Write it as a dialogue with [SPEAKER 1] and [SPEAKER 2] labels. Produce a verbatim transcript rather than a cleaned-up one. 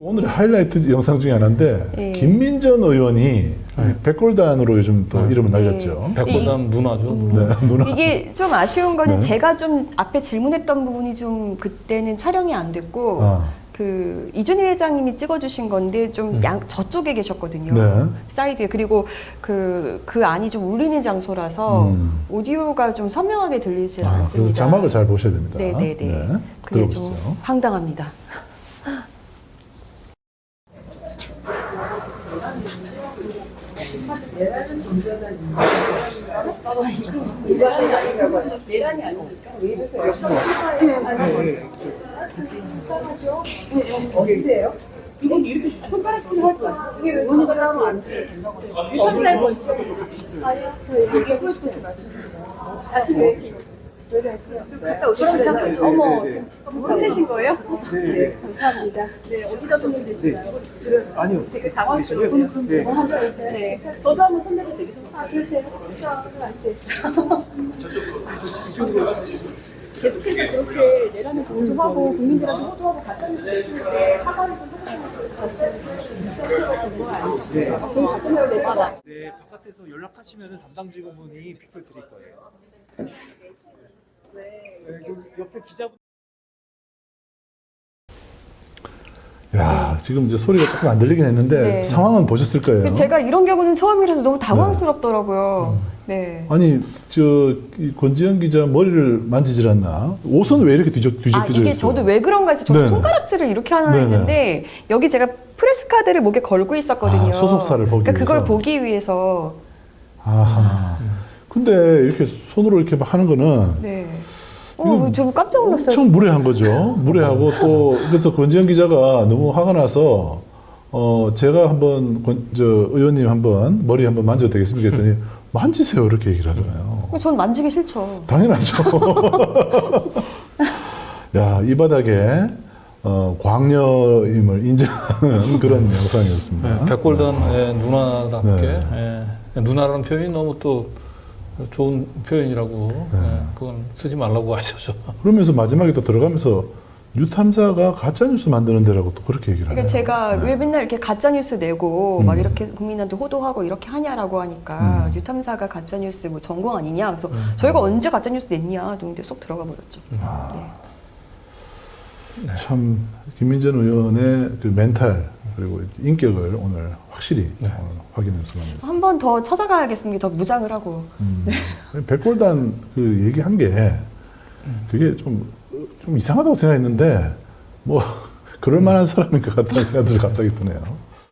[SPEAKER 1] 오늘의 하이라이트 영상 중에 하나인데
[SPEAKER 2] 네.
[SPEAKER 1] 김민전 의원이
[SPEAKER 3] 네.
[SPEAKER 1] 백골단으로 요즘 또
[SPEAKER 3] 네.
[SPEAKER 1] 이름을 날렸죠.
[SPEAKER 2] 네.
[SPEAKER 3] 백골단 누나죠.
[SPEAKER 1] 네, 누나.
[SPEAKER 2] 이게 좀 아쉬운 거는
[SPEAKER 1] 네.
[SPEAKER 2] 제가 좀 앞에 질문했던 부분이 좀 그때는 촬영이 안 됐고
[SPEAKER 1] 아.
[SPEAKER 2] 그 이준희 회장님이 찍어주신 건데 좀 양 저쪽에 계셨거든요.
[SPEAKER 1] 네.
[SPEAKER 2] 사이드에. 그리고 그, 그 안이 좀 울리는 장소라서
[SPEAKER 1] 음.
[SPEAKER 2] 오디오가 좀 선명하게 들리질
[SPEAKER 1] 아,
[SPEAKER 2] 않습니다.
[SPEAKER 1] 그래서 자막을 잘 보셔야 됩니다.
[SPEAKER 2] 네네네.
[SPEAKER 1] 네,
[SPEAKER 2] 그게
[SPEAKER 1] 들어보시죠.
[SPEAKER 2] 좀 황당합니다.
[SPEAKER 4] 내란이 아니니까 왜 이러세요? 어디세요? 이건 이렇게 손가락질 하지 마십시오. 이게 왜 손가락질 안 돼요? 유선살 번지 같이 있어요. 아니요, 저 얘기하고 싶은 게 말씀드립니다. 자신 내시고. 왜 자신이 없어요? 그럼 잠깐, 어머, 혼내신 거예요? 네, 감사합니다. 네, 어디다 손내시나요?
[SPEAKER 5] 아니요.
[SPEAKER 4] 되게 당황스러워요.
[SPEAKER 5] 네.
[SPEAKER 4] 뭐 하셨어요? 네. 저도 한번 손내도 되겠습니다. 아, 그러세요? 계속해서 그렇게 내란을 공조하고 국민들한테 호도하고 가짜뉴스 쓰시는데 사과를 좀 해주시면서 가짜뉴스 인터넷으로 전거 아니시죠? 저희 가짜뉴스 냈잖아.
[SPEAKER 5] 네, 바깥에서 연락하시면 담당 직원분이 픽을 드릴 거예요. 네, 그 옆에 기자분.
[SPEAKER 1] 야, 지금 이제 소리가 조금 안 들리긴 했는데
[SPEAKER 2] 네.
[SPEAKER 1] 상황은 보셨을 거예요.
[SPEAKER 2] 제가 이런 경우는 처음이라서 너무 당황스럽더라고요. 네.
[SPEAKER 1] 아니, 저 이 권지현 기자 머리를 만지질 않나? 옷은 왜 이렇게 뒤적 뒤적
[SPEAKER 2] 아,
[SPEAKER 1] 뒤적
[SPEAKER 2] 이게
[SPEAKER 1] 있어요?
[SPEAKER 2] 저도 왜 그런가 해서 저도
[SPEAKER 1] 네네.
[SPEAKER 2] 손가락질을 이렇게 하나
[SPEAKER 1] 네네.
[SPEAKER 2] 했는데 여기 제가 프레스 카드를 목에 걸고 있었거든요.
[SPEAKER 1] 아, 소속사를 보기
[SPEAKER 2] 그러니까 그걸
[SPEAKER 1] 위해서?
[SPEAKER 2] 보기 위해서.
[SPEAKER 1] 아하. 근데 이렇게 손으로 이렇게 막 하는 거는
[SPEAKER 2] 네.
[SPEAKER 1] 이건
[SPEAKER 2] 어, 좀 깜짝 놀랐어요.
[SPEAKER 1] 엄청 무례한 거죠. 무례하고 또 그래서 권지현 기자가 너무 화가 나서 어 제가 한번 권, 저 의원님 한번 머리 한번 만져도 되겠습니까 했더니 만지세요 이렇게 얘기를 하잖아요.
[SPEAKER 2] 전 만지기 싫죠.
[SPEAKER 1] 당연하죠. 야, 이 바닥에 어, 광녀임을 인정하는 그런 영상이었습니다.
[SPEAKER 3] 네, 백골단의 누나답게
[SPEAKER 1] 네.
[SPEAKER 3] 예, 누나라는 표현이 너무 또 좋은 표현이라고
[SPEAKER 1] 네.
[SPEAKER 3] 예, 그건 쓰지 말라고 하셔서
[SPEAKER 1] 그러면서 마지막에 또 들어가면서 뉴탐사가 가짜뉴스 만드는 데라고 또 그렇게 얘기를 하네요.
[SPEAKER 2] 그러니까 제가
[SPEAKER 1] 네.
[SPEAKER 2] 왜 맨날 이렇게 가짜 뉴스 내고
[SPEAKER 1] 음.
[SPEAKER 2] 막 이렇게 국민한테 호도하고 이렇게 하냐라고 하니까
[SPEAKER 1] 음.
[SPEAKER 2] 뉴탐사가 가짜 뉴스 뭐 전공 아니냐. 그래서
[SPEAKER 3] 음.
[SPEAKER 2] 저희가 언제 가짜 뉴스 냈냐. 근데 쏙 들어가 버렸죠.
[SPEAKER 1] 아.
[SPEAKER 2] 네.
[SPEAKER 3] 네.
[SPEAKER 1] 참 김민전 의원의 그 멘탈 그리고 인격을 오늘 확실히
[SPEAKER 3] 네.
[SPEAKER 1] 오늘 확인할 수가 있습니다.
[SPEAKER 2] 한 번 더 찾아가야겠습니다. 더 무장을 하고.
[SPEAKER 1] 음. 백골단 그 얘기한 게 그게 좀, 좀 이상하다고 생각했는데 뭐 그럴 만한 사람인 것 같다는 생각이 갑자기 드네요.